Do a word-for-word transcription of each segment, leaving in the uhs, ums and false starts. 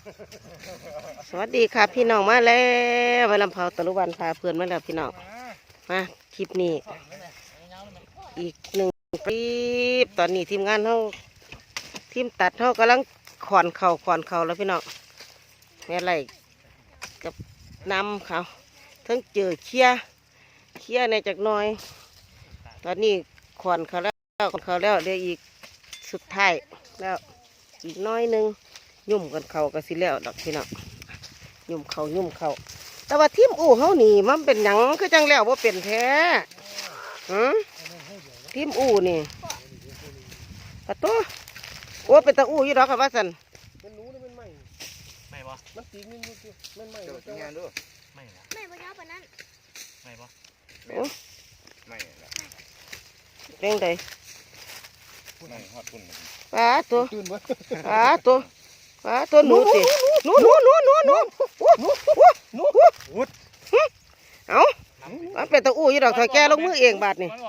สวัสดีค่ะพี่น้องมาแล้วไปลำเผาตะลุวันพาเพื่อนมาแล้วพี่น้องมาคลิปนี้อีกหนึ่งคลิปตอนนี้ทีมงานเขาทีมตัดเขากำลังขอนเข่าขอนเข่าแล้วพี่น้องแม่ไรกับน้ำเขาทั้งเจอเคี้ยเคี้ยในจากน้อย ตอนนี้ขอนเขาแล้วขอนเขาแล้วเดี๋ยวอีกสุดท้ายแล้วอีกน้อยหนึ่งยุ่มกันเขาก็สิแล้วดอกพี่น้องยุ่มเขายุ่มเขาแต่ว่าทีมอู่เขานี่มันเป็นหยังคือจังแล้วว่าเป็นแท้หืมทีมอู่นี่ปะตัวโอ้เป็นตาอู่อยู่ดอกครับว่าสันมันรู้เลยมันไม่ไม่บ่มันตีเงินอยู่ที่มันไม่เจ้างานด้วยไม่ไม่บ่เจ้าปานนั้นไม่บ่โอ้ไม่ละเร่งใดไม่ฮอดปุ่นปลาตัวปลาตัวปลาตัวหนูสิหนูหนูหนูหนูหนูหนูหนูหนูเอามันเป็นตะอู้ยี่ดอกถ้าแกลงมือเองบาดนี่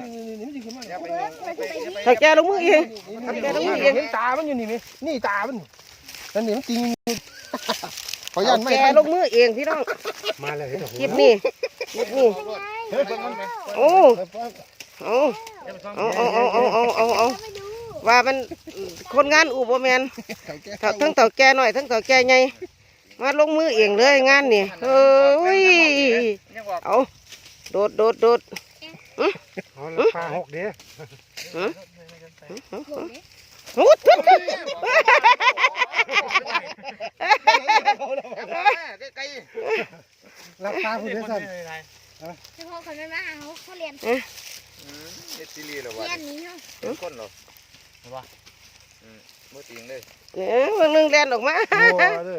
ถ้าแกลงมือเองถ้าแกลงมือเองเห็นตามันอยู่นี่ไหมนี่ตามันนั่นนี่มันจริงขอยันไม่แกลงมือเองพี่น้องมาเลยคลิปนี้คลิปนี้โอ้เอาเอาเอาเอาเอาเอาเอาเอาว่ามันคนงานอู่บ่แมนทั้งเต่าแก่หน่อยทั้งเต่าแก่ใหญ่มาลงมือเองเลยงานนี่เฮ้ยเอาโดดโดดโดดปลาหกเดียวหูทุบราคาผู้เดียวสั่นเฉพาะคนไม่มาเขาเขาเรียนเรียนซีรีส์หรอวะเรียนนี้เหรอเป็นคนหรอหรือว่าอืมมือจริงเลยเนี่ยเมืองนึงเรียนออกมาเลย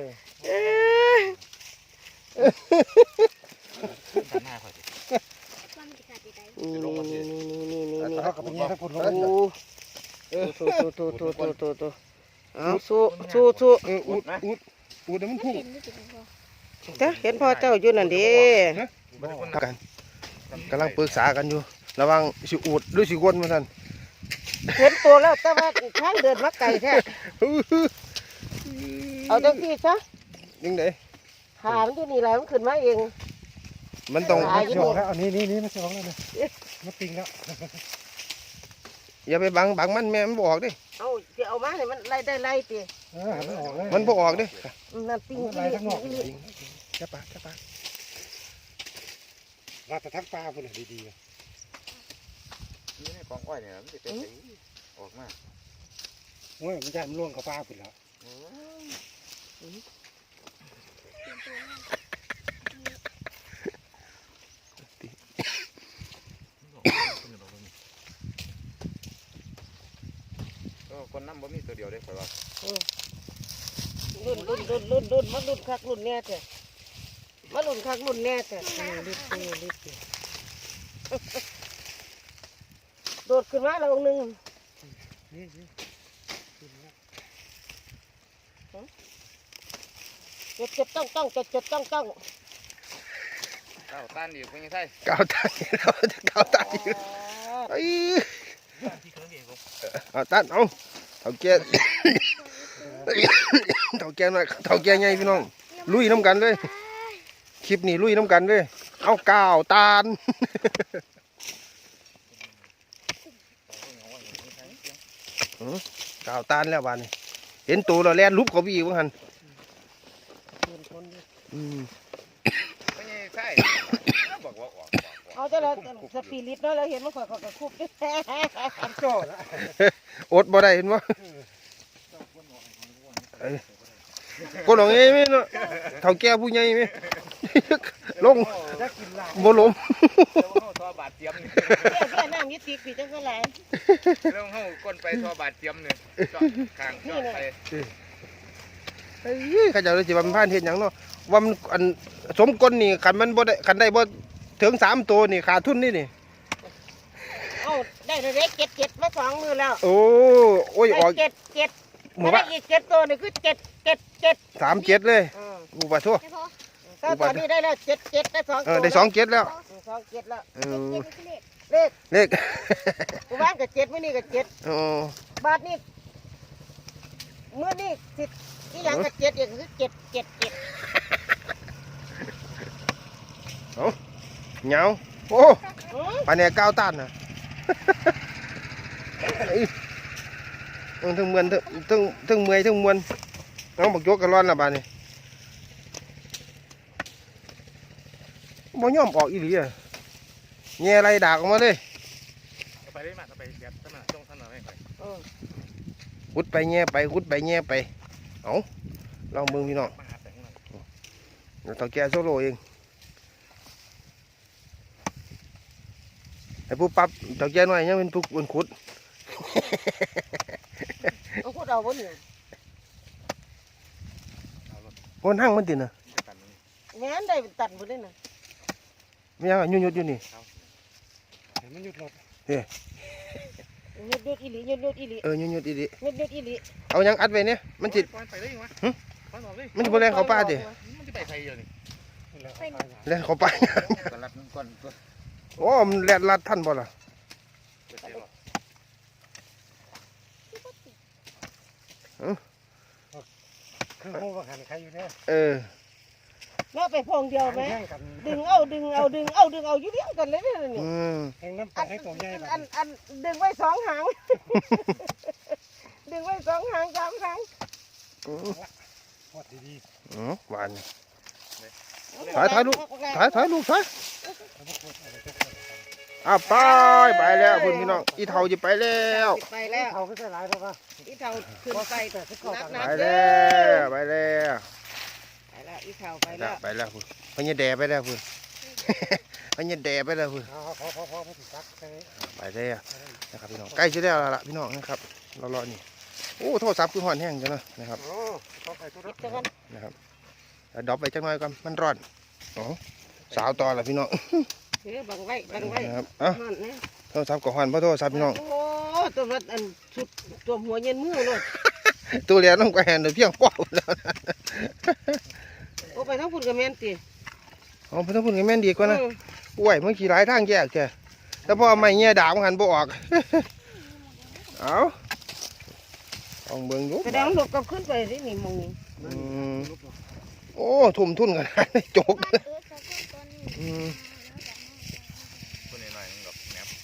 นี่นี่นี่นี่นี่นี่เขากับเป็นยังไงคนลงสู้สู้สู้สู้สู้สู้เอาสู้สู้สู้อุดอุดอุดมันพุ่งเจ้าเห็นพ่อเจ้าอยู่นั่นดิกันกำลังปรึกษากันอยู่ระวังสิอุดหรือสิวนมาท่านเห็นตัวแล้วแต่ว่าทางเดินมาไกลแท้เอาจังที่ซะยังไงขามันอยู่นี่แหละมันขึ้นมาเองมันต้องสองแล้วอันนี้นี่นี่มันสองแล้วนะมันปิงแล้วอย่าไปบังบังมันแม่มันบออกดิเอาจะเอามาให้มันไล่ได้ไล่ตีมันบออกดิมันปิงไล่ทั้งนอกแค่ปากแค่ปากราแต่ทั้งปลาคนไหนดีๆนี่ในกองอ้อยเนี่ยมันจะเป็นออกมาโอ้ยมันจะมันล่วงกับปลาไปแล้วคนน้ำบ่มีตัวเดียวได้ค่อยว่ารุ่นรุ่นรุ่นรุ่นรุ่นมารุ่นคักรุ่นแน่เถอะมารุ่นคักรุ่นแน่เถอะรีบรีบรีบโดดขึ้นมาแล้วองค์หนึ่งเจ็บเจ็บต้องต้องเจ็บเจ็บต้องต้องเก้าตันอยู่เป็นยังไงเก้าตันเราจะเก้าตันอยู่ไอ้เอาตันเอาเท่าแก่เท่าแก่หน่อยเท่าแก่ใหญ่พี่น้องลุยน้ำกันเลยคลิปนี้ลุยน้ำกันเลยเอาเก้าตันเก้าตันแล้วบ้านนี้เห็นตัวเราแล่นลุบเขาบีบ้างหันเอาจะเราสปีริตเนาะเราเห็นมันข่อยข่อยกระคุบด้วยอดบ่ได้เห็นมั้ยคนหลงไงมั้ยเนาะเท่าแก่ผู้ใหญ่มั้ยลงบ่ล้มทอบาดเจียมนี่แค่น้ำยึดติกสิจังก็หลายลงเฮาก้นไปทอบาดเจียมนี่เจาะข้างเจาะไปเฮ้ยเขาจะเลยสิว่ามันพานเฮ็ดหยังเนาะว่ามันอันสมก้นนี่คันมันบ่ได้คันได้บ่ถึงสามตัวนี่ขาดทุนนี่นี่เอาได้เล็กเจ็ดเจ็ดมาสองมือแล้วโอ้โอ้ยออกเจ็ดเจ็ดมาได้อีกเจ็ดตัวนี่คือเจ็ดเจ็ดเจ็ดสามเจ็ดเลยอูบะทั่วตอนนี้ได้แล้วเจ็ดเจ็ดได้สองตัวได้สองเจ็ดแล้วสองเจ็ดแล้วเลขเลขกูบ้านกับเจ็ดไม่นี่กับเจ็ดบาทนี่เมื่อนี่สิที่ยังกับเจ็ดอย่างคือเจ็ดเจ็ดเจ็ดเอาเหงาโอ้ปลาเนี่ยก้าวต้านนะทั้งเมือนทั้งทั้งทั้งเมื่อยทั้งมวนน้องบอกโยกกันร้อนละบาดนี่บ่ยอมออกอีหลีอ่ะแง่ไรดากออกมาเลยไปได้มาไปแบบท่านน่ะจ้องท่านน่ะไม่ไปหุดไปแง่ไปหุดไปแง่ไปเอาลองมึงพี่น้องเราต้องแก้โซโล่เองไอ้ผู้ปั๊บต้องแก้หน่อยยังเป็นผู้บนขุดเอาขุดเอาบนอยู่บนห้างมันติดนะแม่นได้ตัดบนได้น่ะไม่ยังยุ่ยยุ่ยอยู่นี่มันหยุดหลบเฮ้ยหยุดหยุดอีหลีหยุดหยุดอีหลีเออยุ่ยยุ่ยอีหลีหยุดหยุดอีหลีเอายังอัดไว้เนี่ยมันจิตมันจะไปแรงเขาป้าดิมันจะไปใครอยู่นี่แรงเขาป้าโอ้มันแรงลัดท่านบ่ล่ะคือโม่ว่าหันใครอยู่เนี่ยเออเนาะไปพองเดียวไหมดึงเอาดึงเอาดึงเอาดึงเอาอยู่เดียวกันเลยเนี่ยนี่แข่งน้ำปลาให้ตัวใหญ่อันอันดึงไว้สองหางดึงไว้สองหางสามหางพอดีอืมหวานถ่ายถ่ายลูกถ่ายถ่ายลูกถ่ายอ่ะไปไปแล้วคุณพี่น้องอีเท่าจะไปแล้วไปแล้วเท่าไม่ใช่หลายแล้วป่ะอีเท่าขึ้นไปไปแล้วไปแล้วไปแล้วอีเท่าไปแล้วไปแล้วคุณพญาแดไปแล้วคุณพญาแดไปแล้วคุณพอพอพอไม่ถึงซักไปแล้วนะครับพี่น้องใกล้จะได้แล้วล่ะพี่น้องนะครับรอรอนี่โอ้โทษซับคือห่อนแห้งจังเลยนะครับนะครับดอกไปจังหน่อยก่อนมันร้อนอ๋อสาวต่อละพี่น้องบังไว้บังไว้ครับอ่ะโทษซับกับห่อนเพราะโทษซับพี่น้องโอ้ตัวรัดอันชุดตัวหัวเย็นมือเลยตัวเลี้ยน้องแกนเดี๋ยวเพียงป้อแล้วโอ้ไปทั้งฝุ่นกับแมนตีอ๋อไปทั้งฝุ่นกับแมนดีกว่านะโอ้ยเมื่อกี้หลายทางแยกแกแต่พอไม่เงี้ยด่ามันหันบ่ออกเอาลองเบิ่งดูแสดงหลบกับขึ้นไปที่นี่มองนี่โอ้ทุ่มทุนกันได้จกตัวนี้หน่อยนึงดอกแหนม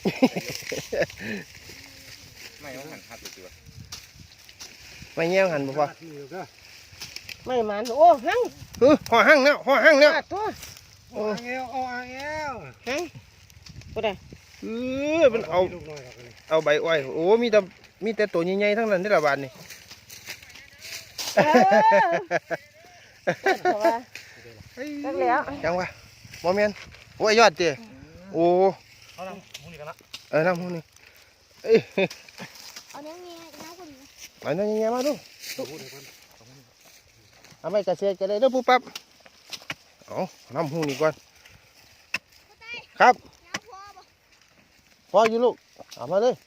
ไม่ต้องหันหัดตัวไม่เงี้ยหันบ่พอไม่มันโอ้หั่งเออห่อหั่งแล้วห่อหั่งแล้วตัวโอ้เอวโอ้เอวหั่งก็ได้เออมันเอาเอาใบอ้อยโอ้มีแต่มีแต่ตัวใหญ่ๆทั้งนั้นที่ละบาทนี่ตั้งแล้วจังวะโมเมนโอ้ยยอดเจ้โอ้เอาน้ำมูนี่กันละเออน้ำมูนี่เอ้ยเอาเนื้อเงี้ยน้ำคนนี้เอาเนื้อเงี้ยมาดูเอาไม่กระเซ็นกันเลยเด้อปุ๊บปั๊บเอาน้ำมูนี่ก่อนครับพออยู่ลูกเอามาเลย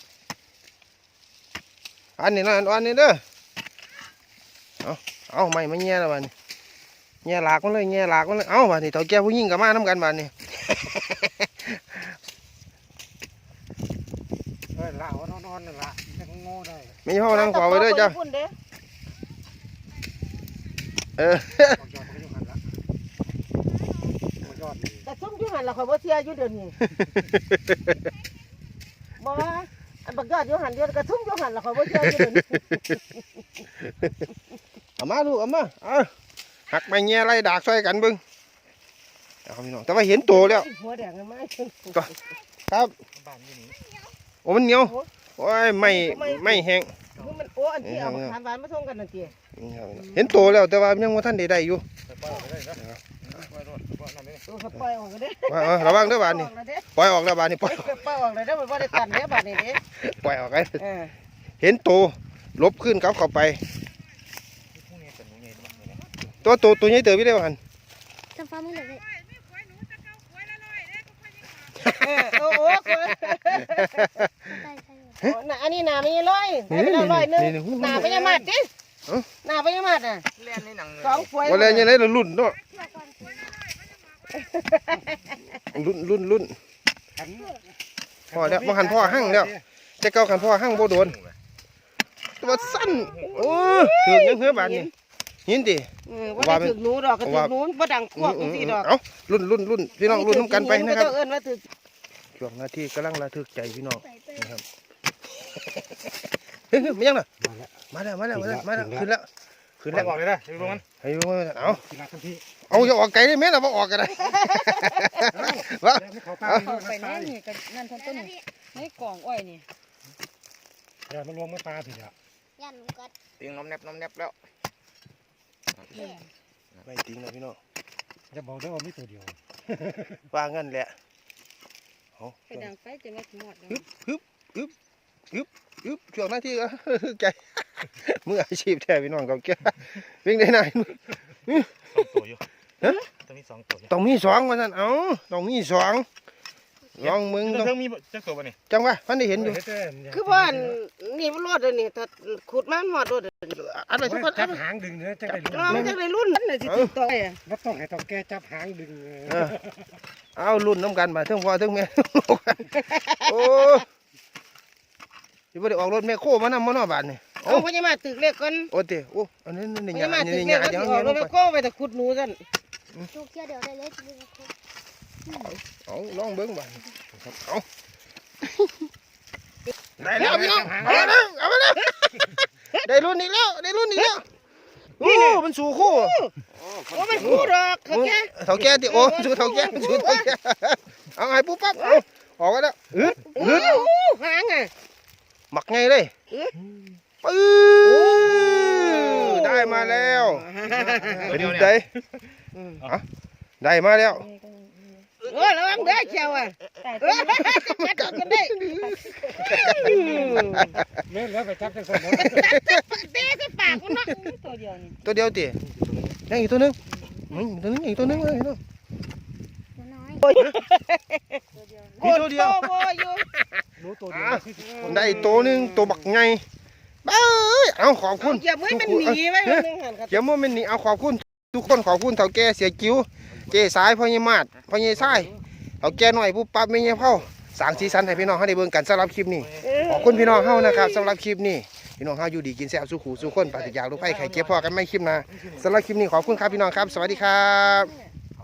อันนี้นะอันนี้เด้อเอาเอาไม่ไม่เงี้ยแล้วบ้านี่เงี้ยหลากมันเลยเงี้ยหลากมันเลยเอาบ้านี่เต่าแก่ผู้หญิงกับมาทำกันบ้านี่เฮ้ยละนอนนอนนั่นละจะงอได้ไม่ห้องนั่งขวาไปด้วยจ้ะเออแต่ชุ่มยุ่งหันเราขอว่าเทียยุ่เดินนี่บอกว่าอันบักยอดยุ่งหันเดียวกระชุ่มยุ่งหันเราขอว่าเทียยุ่เดินเอามาลูกเอามาเอาหักไปเงี้ยไรดากช่วยกันบึ้งเอาพี่น้องแต่ว่าเห็นตัวแล้วหัวแดงไหมครับโอ้มันเหนียวโอ้ยไม่ไม่แห้งมันโอ้อันที่เอาทานหวานมาส่งกันนั่นทีเห็นตัวแล้วแต่ว่ายังว่าท่านได้ได้อยู่ปล่อยออกเลยระวังด้วยบานนี่ปล่อยออกแล้วบานนี่ปล่อยปล่อยออกเลยได้เหมือนว่าได้ตันเนี่ยบานนี่เด้ปล่อยออกเลยเห็นตัวลบขึ้นเขาเข้าไปตัวตัวตัวนี้เติบไปได้บ้านทำฟ้ามือเลยโอ้โหอันนี้หนาไม่ร้อยไม่ร้อยนึงหนาไม่ยามาดจิหนาไม่ยามาดอ่ะสองฝอยวันแรกยังไงเราลุ่นเนาะลุ่นลุ่นลุ่นพอแล้วมาหันพ่อหั่งแล้วจะเกาขันพ่อหั่งโบโดนว่าสั้นโอ้ถือยังเหือบานนี่หินดิเออว่าได้ถึกหนูดอกก็ถึกหนูบ่ดังพวกจังซี่ดอกเอ้ารุ่นรุ่นรุ่นพี่น้องรุ่นน้ำกันไปนะครับเจ้าเอิ้นว่าถึกช่วงนาทีกำลังระทึกใจพี่น้องใส่ไปนะครับเฮ้ยไม่ยังน่ะมาแล้วมาแล้วมาแล้วมาแล้วขึ้นแล้วขึ้นแล้แล้ว วบอกเลยนะลงมันให้ดูมาเอากินละทันทีเอาอย่าออกไกลได้ไหมล่ะว่าออกกันได้วะไม่เขาป้าเข้าไปนั่นนี่กันนั่นทั้งต้นนี่ในกล่องอ้อยนี่อย่ามันลงไม่ปลาผิดอ่ะยันหนูกัดติงน้ำแนบน้ำแนบแล้วไม่จริงนะพี่น้องจะบอกได้ว่ามีตัวเดียวว่างั้นแหละเอาไปดังไฟจะมาหมดฮึบฮึบฮึบฮึบฮึบช่วงนาทีก็ใจมืออาชีพแท้พี่น้องกับแกวิ่งได้ไหนสองตัวอยู่ฮะจะมีสองตัวอยู่ต้องมีสองว่าท่านเอ้าต้องมีสองลองมึงจะต้องเพิ่งมีจะตัวป่ะนี่จังวะพันได้เห็นอยู่คือว่านี่มันรอดเลยนี่ถ้าขุดมามันฮอดรอดเลยอะไรทุกคนจับหางดึงเนื้อจังได้รู้เรามันจังได้รุ่นนั่นน่ะสิติดต่ออ่ะแล้วต้องให้ต้องแกจับหางดึงเอารุ่นน้ำกันมาทั้งพ่อทั้งแม่โอ้ยบ่ได้ออกรถแม่โคมานำมานอบานนี่เอาพญามาตึกเล็กก่อนโอ้เตโอ้อันนี้นี่พหยาญามาตึนี่กหเล็กยาก็จัสิงออกเงี้ยรลถงแม่ไปโคไปแต่ขุดหนูซั่นลูกเที่ยวเดี๋ยวได้เลยชีวิตนะครบเอาลองเบิ้งบ้านเอาได้แล้วพี่น้องเอามาแล้วเอามาแล้วได้รุ่นอีกแล้วได้รุ่นอีกแล้วโอ้มันสู่คู่โอ้มันคู่ดอกเขาแก่เท่าแก่ติโอ้สู่เท่าแก่สู่เท่าแก่เอาไงปุ๊บปั๊บเอาออกกันแล้วอึดโอ้อึดหางอ่ะหมักไงเลยปื้อได้มาแล้วเป็นไงได้มาแล้วโอ้ระวังเด้อเชียวอ่ะเออกัดกันได้เล่นแล้วไปจับจังสมมติเตะใส่ปากมันเนาะตัวเดียวนี่ตัวเดียวติยังอีกตัวนึงตัวนึงอีกตัวนึงเลยน้อยมีตัวเดียวโอ้อยู่รู้ตัวเดียวได้ตัวนึงตัวบักไงเบ้ยเอาขอบคุณอย่ามือมันหนีไว้มันนึงหันครับเดี๋ยวมันหนีเอาขอบคุณทุกคนขอบคุณเท่าแก่เสียกิ้วเจ๊สายพ่อยี่มาดพ่อยี่ไส้เท่าแก่หน่อยผู้ปั๊บไม่เงี้ยเผาสางสีสันให้พี่น้องเขาได้เบิ่งกันสำหรับคลิปนี้ขอบคุณพี่น้องเฮานะครับสำหรับคลิปนี้พี่น้องเฮาอยู่ดีกินแซ่บสู้ขู่สู้คนปราศจากโรคภัยไข้เจ็บพอกันไม่คลิปหนะสำหรับคลิปนี้ขอบคุณครับพี่น้องครับสวัสดีครับ